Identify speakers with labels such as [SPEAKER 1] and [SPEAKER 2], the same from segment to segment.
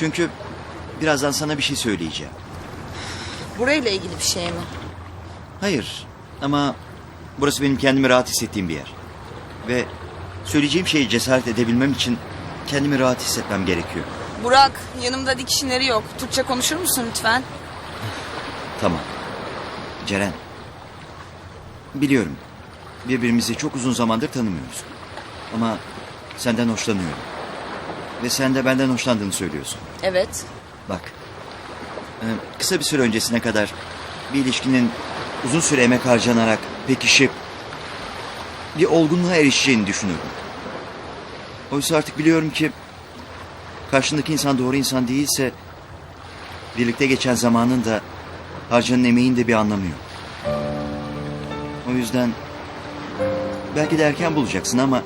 [SPEAKER 1] Çünkü birazdan sana bir şey söyleyeceğim.
[SPEAKER 2] Burayla ilgili bir şey mi?
[SPEAKER 1] Hayır ama burası benim kendimi rahat hissettiğim bir yer. Ve söyleyeceğim şeyi cesaret edebilmem için kendimi rahat hissetmem gerekiyor.
[SPEAKER 2] Burak, yanımda dikişinleri yok. Türkçe konuşur musun lütfen?
[SPEAKER 1] Tamam. Ceren. Biliyorum. Birbirimizi çok uzun zamandır tanımıyoruz. Ama senden hoşlanıyorum. Ve sen de benden hoşlandığını söylüyorsun.
[SPEAKER 2] Evet.
[SPEAKER 1] Bak. Kısa bir süre öncesine kadar bir ilişkinin uzun süre emek harcanarak pekişip bir olgunluğa erişeceğini düşünürdüm. Oysa artık biliyorum ki karşındaki insan doğru insan değilse birlikte geçen zamanın da harcanan emeğin de bir anlamı yok. O yüzden belki de erken bulacaksın ama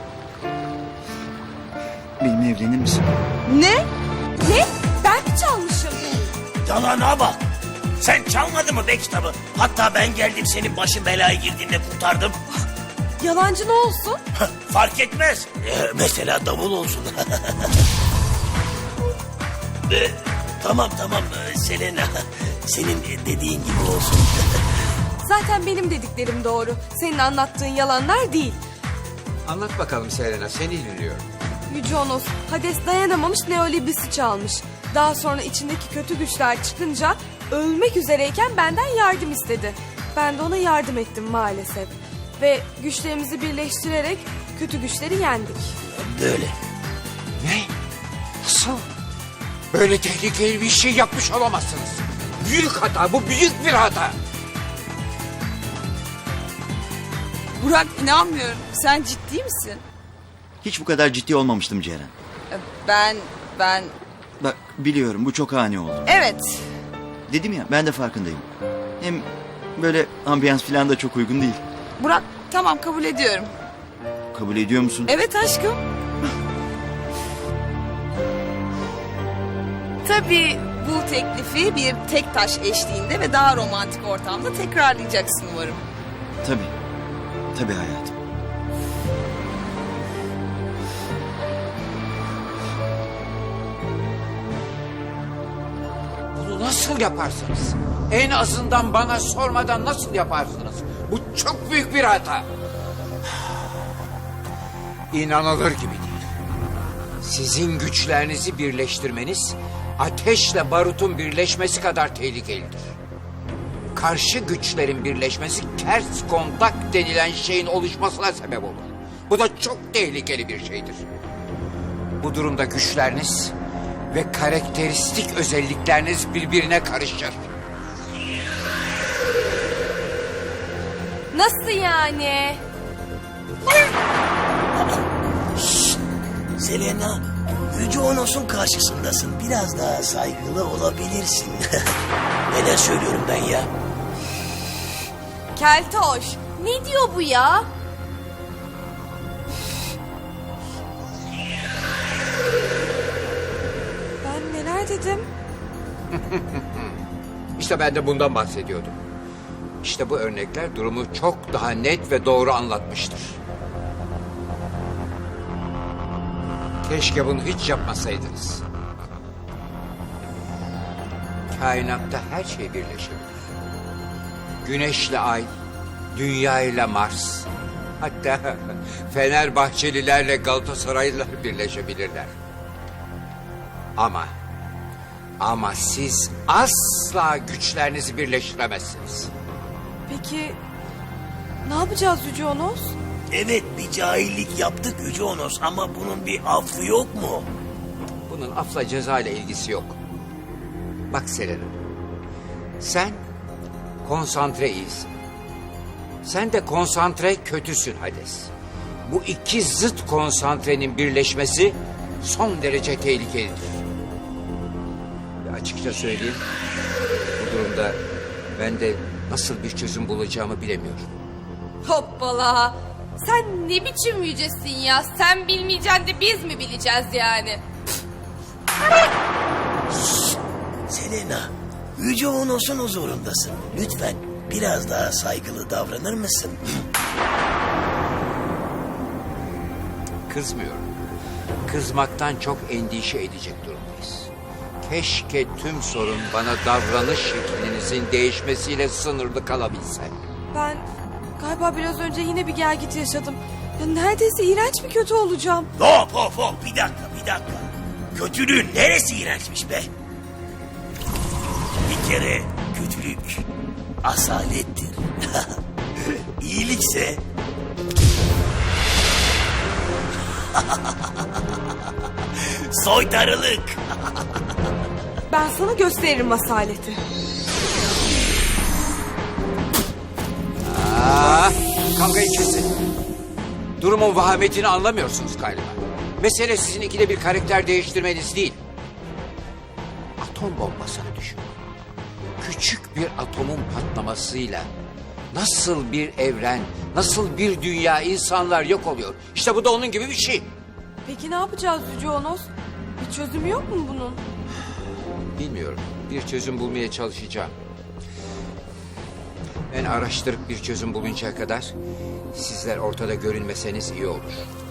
[SPEAKER 1] benimle evlenir misin?
[SPEAKER 2] Ne? Ne? Ben mi çalmışım?
[SPEAKER 3] Yalana bak. Sen çalmadın mı be kitabı? Hatta ben geldim senin başın belaya girdiğinde kurtardım.
[SPEAKER 2] Yalancı ne olsun?
[SPEAKER 3] Fark etmez. Mesela davul olsun. Tamam Selena. Senin dediğin gibi olsun.
[SPEAKER 4] Zaten benim dediklerim doğru. Senin anlattığın yalanlar değil.
[SPEAKER 5] Anlat bakalım Selena, seni dinliyorum.
[SPEAKER 4] Yüce Onos, Hades dayanamamış Neolibris'i çalmış. Daha sonra içindeki kötü güçler çıkınca ölmek üzereyken benden yardım istedi. Ben de ona yardım ettim maalesef. Ve güçlerimizi birleştirerek kötü güçleri yendik.
[SPEAKER 3] Böyle.
[SPEAKER 5] Ne? Nasıl? Böyle tehlikeli bir şey yapmış olamazsınız. Büyük hata, bu büyük bir hata.
[SPEAKER 2] Burak, inanmıyorum. Sen ciddi misin?
[SPEAKER 1] Hiç bu kadar ciddi olmamıştım Ceren.
[SPEAKER 2] Ben...
[SPEAKER 1] Bak biliyorum bu çok ani oldu.
[SPEAKER 2] Evet.
[SPEAKER 1] Dedim ya ben de farkındayım. Hem böyle ambiyans falan da çok uygun değil.
[SPEAKER 2] Burak, tamam kabul ediyorum.
[SPEAKER 1] Kabul ediyor musun?
[SPEAKER 2] Evet aşkım. Tabii bu teklifi bir tek taş eşliğinde ve daha romantik ortamda tekrarlayacaksın umarım.
[SPEAKER 1] Tabii. Tabii hayatım.
[SPEAKER 5] Bunu nasıl yaparsınız? En azından bana sormadan nasıl yaparsınız? Bu çok büyük bir hata. İnanılır gibi değil. Sizin güçlerinizi birleştirmeniz ateşle barutun birleşmesi kadar tehlikelidir. Karşı güçlerin birleşmesi ters kontak denilen şeyin oluşmasına sebep olur. Bu da çok tehlikeli bir şeydir. Bu durumda güçleriniz ve karakteristik özellikleriniz birbirine karışır.
[SPEAKER 4] Nasıl yani?
[SPEAKER 3] Selena, Yüce Onos'un karşısındasın. Biraz daha saygılı olabilirsin. Neler söylüyorum ben ya?
[SPEAKER 4] Keltoş, ne diyor bu ya? Ben neler dedim?
[SPEAKER 5] İşte ben de bundan bahsediyordum. İşte bu örnekler durumu çok daha net ve doğru anlatmıştır. Keşke bunu hiç yapmasaydınız. Kainatta her şey birleşebilir. Güneşle ay, dünya ile Mars, hatta Fenerbahçelilerle Galatasaraylılar birleşebilirler. Ama siz asla güçlerinizi birleştiremezsiniz.
[SPEAKER 4] Peki ne yapacağız Yüce Onos?
[SPEAKER 3] Evet, bir cahillik yaptık Yüce Onos ama bunun bir affı yok mu?
[SPEAKER 5] Bunun afla ceza ile ilgisi yok. Bak Selena, sen konsantre iyisin. Sen de konsantre kötüsün Hades. Bu iki zıt konsantrenin birleşmesi son derece tehlikelidir. Ve açıkça söyleyeyim, bu durumda ben de nasıl bir çözüm bulacağımı bilemiyorum.
[SPEAKER 4] Hoppala! Sen ne biçim yücesin ya? Sen bilmeyeceksin de biz mi bileceğiz yani?
[SPEAKER 3] Selena, Yüce Onos'un huzurundasın. Lütfen biraz daha saygılı davranır mısın?
[SPEAKER 5] Kızmıyorum. kızmaktan çok endişe edecek durumdayız. Keşke tüm sorun bana davranış şeklinizin değişmesiyle sınırlı kalabilse.
[SPEAKER 4] Ben galiba biraz önce yine bir gelgit yaşadım. Ya neredeyse iğrenç bir kötü olacağım.
[SPEAKER 3] Hop, bir dakika. Kötülüğün neresi iğrençmiş be? Bir kere kötülük asalettir. İyilikse soytarılık.
[SPEAKER 4] Ben sana gösteririm asaleti.
[SPEAKER 5] Kavgayı kesin. Durumun vahametini anlamıyorsunuz galiba. Mesele sizin ikide bir karakter değiştirmeniz değil. Atom bombasını düşünün. Küçük bir atomun patlamasıyla nasıl bir evren, nasıl bir dünya, insanlar yok oluyor. İşte bu da onun gibi bir şey.
[SPEAKER 4] Peki ne yapacağız Yüce Onos? Bir çözümü yok mu bunun?
[SPEAKER 5] Bilmiyorum. Bir çözüm bulmaya çalışacağım. Ben araştırıp bir çözüm buluncaya kadar sizler ortada görünmeseniz iyi olur.